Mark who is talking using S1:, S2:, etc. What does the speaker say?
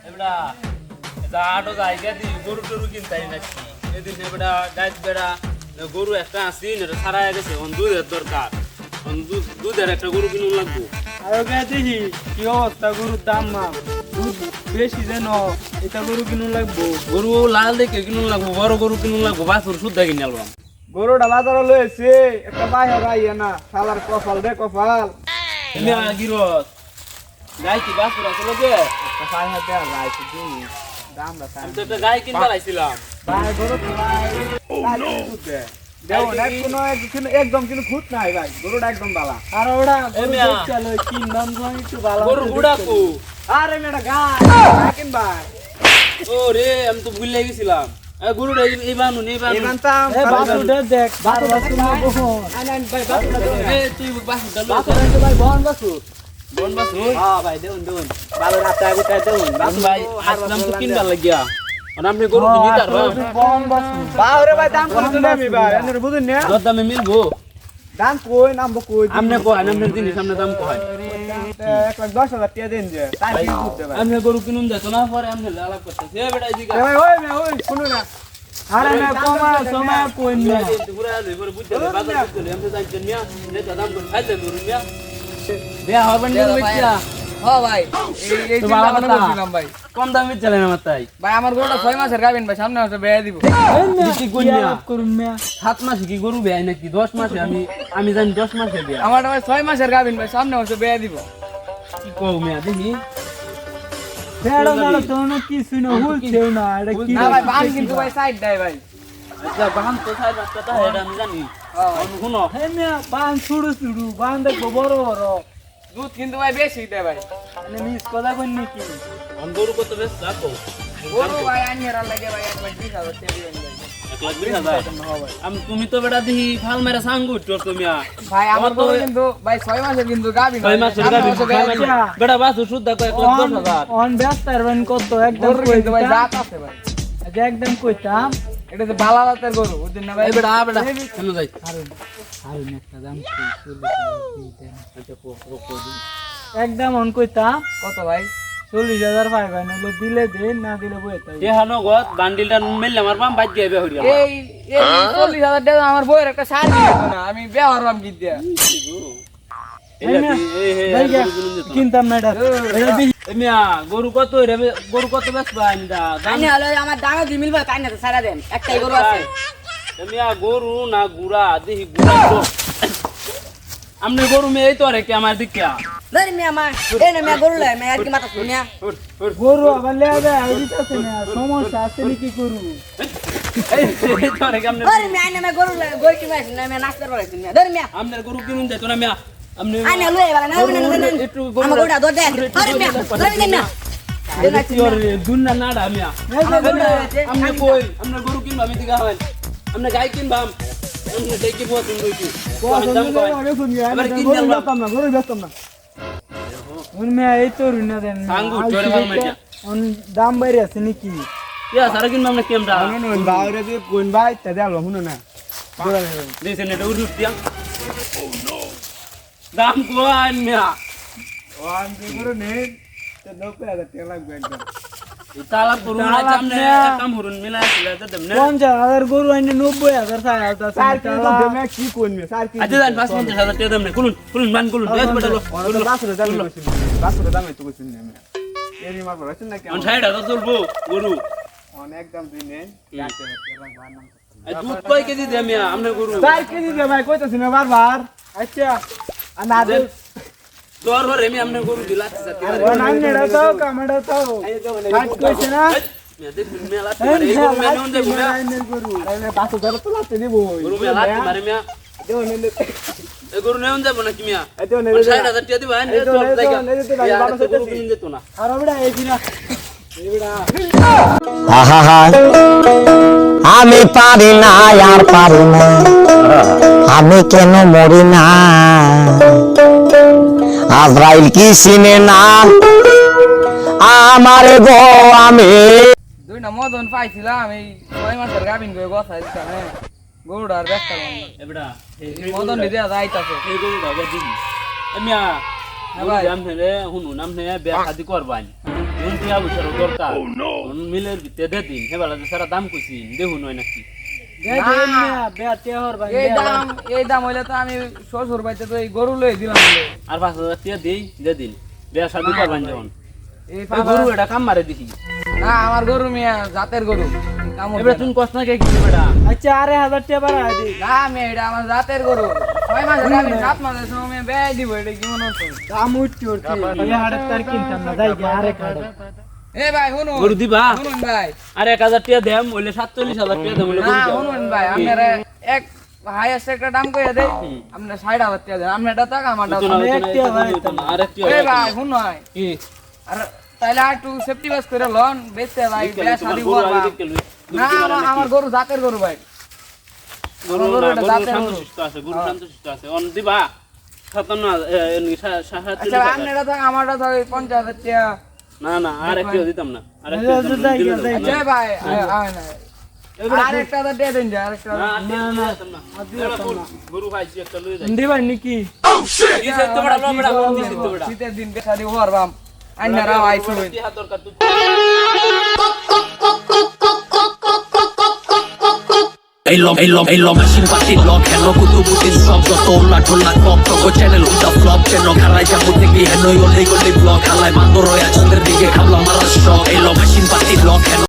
S1: এবড়া এটা আটো জায়গা দি গরু টরু কিনতাই নাকি এদিন এবড়া গাছ বেড়া গরু একটা আসি এটা সারা গেছে অন দুধের দরকার অন দুধের একটা গরু কিনুন লাগবো
S2: আর দেখি কি অবস্থা গরুর দাম না দুধ বেশি যেন এটা গরু কিনুন লাগবো
S1: গরু লাল দেখে কিনুন লাগবো বড় গরু কিনুন লাগবো বাছুর শুদ্ধা কিনে আলবাম
S2: গরুটা বাজারে লয়েছে একটা বাইরে রাইয়া না শালার কপাল রে কপাল
S1: এমনি গিরস গাই কি বাছুর আছে লোকে
S2: একটা পাই হাতে রাইছে দি দামটা
S1: আমি তো একটা গাই কিনতে লাইছিলাম
S2: ভাই গরু ভাই দুধ দে দেও না কোনো একদম কিন্তু খুঁত নাই ভাই গরুটা একদম বালা আর ওটা গরু চলো কিন দাম কম একটু বালা
S1: গরু গুড়া কো
S2: আরে মেটা গাই কিন ভাই
S1: ও রে আমি তো ভুলে গেছিলাম গরুটা এই বানুন এই বানুন
S2: এমানতাম এ বাসুটা দেখ বাসুটা তুমি বহন আইন ভাই বাসুটা
S1: এ তুই বাসুটা লো
S2: বাসুটা ভাই বহন বাসু
S1: বন বাসুর
S2: হ্যাঁ ভাই দেউন দেউন ভালো রাতে আগে তাই দেউন
S1: বাসু ভাই আসলাম তো কিনবার লাগিয়া আর আপনি গরু কিনি তার
S2: বহন বাসু বাওরে ভাই দাম কত নেবি ভাই এনে বুঝুন না
S1: দর দামে মিলবো
S2: দাম কই নাম কই
S1: আপনি কয় আপনি জিনিস আপনি দাম কয়
S2: 1,10,000 টাকা দেন যে তাই কি করতে ভাই
S1: আপনি গরু কিনুন যাইতো না পরে আপনি আলাপ করতেছে এ বেটা এদিকে
S2: ভাই ওই শুনো না আরে না কমা সময় কই না
S1: পুরা পরে বুঝতে বাজার বুঝতে আমি জানতেন না রে দাম করে খাইতে গরু মিয়া বিয়া হবেন না মিয়া
S3: হ্যাঁ ভাই এই
S1: তো
S3: চিন্তা
S1: বাবা
S3: ভাবনা
S1: কথা।
S3: করছিলাম ভাই
S1: কম দামে চলেন আমার তাই
S3: ভাই আমার গরুটা 6 মাসের গাবিন ভাই সামনে মাসে বেয়া দিব
S1: কি কইয়া করুন মিয়া 7 মাসে কি গরু বেয় নাকি 10 মাসে আমি জানি 10 মাসে বিয়া
S3: আমার ভাই 6 মাসের গাবিন ভাই সামনে মাসে বেয়া দিব
S1: কি কও মিয়া দেখি
S2: ফেড়ো না তো কিছু না হুলছেও না এটা কি
S3: না ভাই বান কিন্তু ভাই সাইড দেয় ভাই
S1: আচ্ছা বাহান তো সাইড রাস্তাটা এটা আমি জানি শুনো
S2: হে মিয়া বান ছুড়ু ছুড়ু বান দেখো বড় বড়
S3: দুধ কিন্তু ভাই বেশি দেয় ভাই
S2: মানে মিস কথা কই নাকি
S1: গরু কত বেশ রাখো
S3: গরু ভাই আনিয়ার লাগে ভাই 1,20,000 টাকা দিবেন ভাই
S1: 1,20,000 তুমি তো বেটা দেখি ফাল মেরা সাঙ্গু তোর তুমি
S3: ভাই আমার গরু কিন্তু ভাই 6 মাসের কিন্তু গাবিন
S1: 6 মাসের গাবি বেটা বাসু শুদ্ধা কয় 10,000
S2: অন ব্যস্ত আরবেন কত একদম
S3: গরু
S2: কই
S3: কিন্তু ভাই জাত আছে ভাই
S2: আচ্ছা একদম কইতাম
S3: এটা তো বালা জাতের গরু বুঝছেন না ভাই
S1: এই বেটা বেটা কেন যাই
S2: হারুন একটা দাম
S1: আচ্ছা কো
S2: একদম অন কইতাম
S3: কত ভাই
S2: 40,000 পাই ভাই নলে দিলে দেন না দিলে বই তাই
S1: এহানো গত বান্ডিলটা মেললে আমার বাম বাজ যাবে হরিয়া
S3: এই 40,000 টাকা আমার বইয়ের একটা শাড়ি দিত না আমি বিয়া হরলাম কি দিয়া
S2: কিনতাম না এটা
S1: মিয়া গরু কত রে গরু কত বেশ বান্দা
S4: আইনে হলো আমার দামে দি মিলবে তাই না তো সারা দেন একটাই গরু আছে
S1: মিয়া গরু না গুড়া দেখি গুড়া তো আমনে গরু মে এই তো রে কি আমার দিকে
S4: ধরি মিয়া মা এই না মিয়া গরু লাই মিয়া আর কি মাথা শুনিয়া
S2: গরু আবার লে দে আইতাছে না সমস্যা আছে নাকি গরু
S1: এই তো রে কি আমনে
S4: ধরি মিয়া আইনে মিয়া গরু লাই গরু কি মাইছ না মিয়া নাস্তা করাইছ মিয়া ধরি মিয়া
S1: আমনে গরু কিনুন যাইতো না মিয়া আমনে
S4: আইনে লই এবার না
S1: একটু
S4: আমার গরুটা ধর দে ধরি মিয়া ধরি দেন না
S1: দুন্না নাড়া মিয়া আমনে কই আমনে গরু কিনবা আমি দিগা হয় আমনে গাই কিনবা আমনে দেখি বউ তুমি কইছি দাম কই এবার কিন দিলাম
S2: না গরু ব্যস্ত না মে এই তো রুনা দেন
S1: সাঙ্গু চরে ভাল মাইয়া
S2: অন দাম বাইরে আছে নাকি
S1: ইয়া সারা কিনবা আমনে কেমরা
S2: বাউরে দিয়ে কোন ভাই তে দেলো হুনো না
S1: দিছেন এটা উড়ুস দিয়া দাম কোন মিয়া
S2: ওয়ান গরু নেই তে 90,000 টাকা লাগবে একদম
S1: তালা করুন না আমনে কাম হরুন মিলা দিলা তো দেমনে
S2: 50,000 গরু আইনে 90,000 চাই আলতা স্যার কি তো দেমে কি কোনবে স্যার কি
S1: আচ্ছা জান 50,000 টাকা দেমনে কুলুন বান কুলুন বেশ বেটালো
S2: বাসুরে দামে কইছিস বাসুরে দামে তো কইছিস না এরি মার বলছেন না
S1: অন
S2: কেমন
S1: সাইড তো চলবো গরু
S2: অনেক দাম দিই নেন কাটতে লাগবে না
S1: এই দুধ কয় কেজি দে মিয়া আমনে গরু
S2: 4 কেজি দে ভাই কইতাছ না বারবার আচ্ছা আর না দে
S1: তোর ঘরে আমি আমনে গরু দিলাছি সাথে
S2: ও নাম নেড়া তো কামড়া তো কাট কইছ না
S1: মিয়া দেখ মেলা মারে এই গরু মেনে উন দেখো মিয়া
S2: গরু আরে বাসু ধরে তো লাতে দিব
S1: গরু মেলা মারে মিয়া
S2: দেও নে
S1: এই গরু নেউন যাব না কি মিয়া
S2: দেও নে
S1: 60,000 টাকা দিবা নে তো জায়গা গরু কিনে যেত না
S2: আর ওটা এই দিনা এইডা
S5: আহা আমি পারি না আর পারি না আমি কেন মরি না আজরাইল কি চিনে না আমার গো আমি
S3: দুই না মদন পাইছিলাম এই 6 মাসের গাবিন গো গছাইছিলাম হ্যাঁ গরুটার ব্যস্ত
S1: এবড়া
S3: মদন দিয়া যাইতাছে
S1: এই গরু দাও দিবি মিয়া
S3: হ্যাঁ ভাই।
S1: আমনে রে হুনু নামনে বিয়া শাদি করবানি এখন টিয়া পয়সার দরকার মিলের ভিতরে দে দিন হেবেলা যে সারা দাম কইছি দেখুন হয় নাকি
S3: এই দাম হইলে তো আমি শ্বশুর বাড়িতে তো এই গরু লই দিলাম বলে।
S1: আর 5,000 টিয়া দেই দে দিন বিয়া শাদি করবেন যখন
S3: এই
S1: এই গরু এটা কাম মারে দিছি
S3: না আমার গরু মিয়া জাতের গরু কাম হইবে
S1: এবারে
S3: না।
S1: তুমি কষ্ট না কে কি বেটা
S2: আচ্ছা 4,000 টাকা বাড়া দি
S3: না আমি এটা আমার জাতের গরু 6 মাস গাবিন 7 মাসের সময় বেয় দিব এটা কি মনে হচ্ছে
S2: দাম উঠতে উঠতে এই হাড়ের তার কিনতাম না যাই গিয়ে আরেক হাড়ে
S3: এ ভাই শুনুন
S1: গরু দিবা
S3: শুনুন ভাই
S1: আর 1,000 টিয়া দেম হইলে 47,000 টিয়া দেম হইলে
S3: না শুনুন ভাই আপনারা এক হাইয়েস্ট একটা দাম কইয়া দেই আপনি 60,000 টাকা দেন আমি এটা টাকা আমারটা
S1: আর একটি
S3: এ ভাই শুন ভাই
S1: কি
S3: আর তাইলে আর একটু সেফটি বাস করে লন বেচতে ভাই বিয়া শাদি করবা না আমার গরু জাতের গরু ভাই
S1: গরু
S3: গরু এটা জাতের গরু।
S1: শান্তশিষ্ট আছে গরু শান্তশিষ্ট আছে অন দিবা 57
S3: আচ্ছা আপনি এটা থাক আমারটা থাক 50,000 টাকা
S1: না না আর একটি দিতাম না আর একটি
S3: আচ্ছা ভাই আয় না আরেকটা দিয়ে দেন যা আরেকটা
S1: গরু ভাইছি একটা লই যাই
S2: হিন্দি ভাই নাকি
S1: দিছে তো বড় বড় বড় দিছে তো বড়
S3: শীতের দিন বেশা দিব পারবাম আইনারা আইছো
S1: কি হাত দরকার তুই
S6: Elo machine party block hello kutu butin shop to tola tola top to channel uta flop channel kharai jamu teki heno yole gole block halai mandoro ya chandr dige khabla mara shock elo machine party block hello